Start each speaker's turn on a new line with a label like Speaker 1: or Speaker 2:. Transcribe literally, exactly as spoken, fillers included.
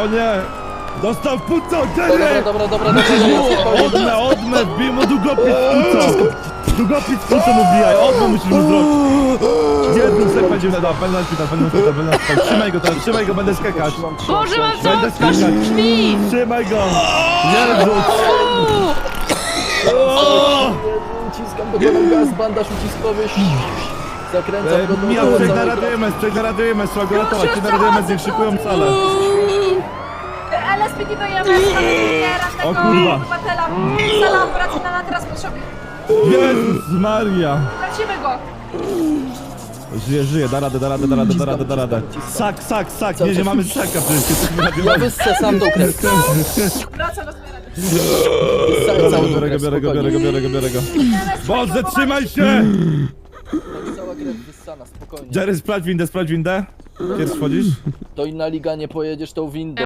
Speaker 1: O nie! Dostał w puco, Jerry!
Speaker 2: Dobra, dobra, dobra, dobra, dobra.
Speaker 1: Odmę, odmę, wbij mu długopis w puco! Długopis w puco mu wbijaj, odmę musisz mu zrobić! Jednym sek będzie na będę na szpital, będę na szpital, będę na szpital. Trzymaj go teraz, trzymaj go, będę skakać.
Speaker 3: Boże, mam
Speaker 1: Będę
Speaker 3: całą twarz
Speaker 1: skakać.
Speaker 3: krwi!
Speaker 1: Trzymaj go! Nie rzuć!
Speaker 2: Uciskam do pana gaz, bandaż uciskowy. Zakręcam go do
Speaker 1: Miał,
Speaker 2: dołu
Speaker 1: przejdź na
Speaker 2: całego.
Speaker 1: Radio M S, przejdź na Radio M S, trzeba go ratować, przejdź na Radio M S, niech szykują salę.
Speaker 4: L S P D dojemy z
Speaker 1: O
Speaker 4: tego
Speaker 1: kurwa.
Speaker 4: obywatela. Sala operacyjna teraz potrzebuje.
Speaker 1: Jezus Maria!
Speaker 4: Tracimy go.
Speaker 1: Żyje, żyje, da radę, da radę, da radę, da radę, da radę. Sak, sak, sak, nie, nie mamy saka przecież, jesteśmy na
Speaker 2: Ja
Speaker 1: Radio
Speaker 2: wyssę sam tą krew.
Speaker 4: Wracam do zmiany.
Speaker 2: Wyssałem całą tą
Speaker 1: Biorę go,
Speaker 2: krew,
Speaker 1: biorę go, biorę go, biorę go, biorę go. Boże, trzymaj się!
Speaker 2: Cała krew wyssana, spokojnie.
Speaker 1: Jerry, sprawdź windę, sprawdź windę. Pierwszy wchodzisz?
Speaker 2: To inna liga, nie pojedziesz tą windą.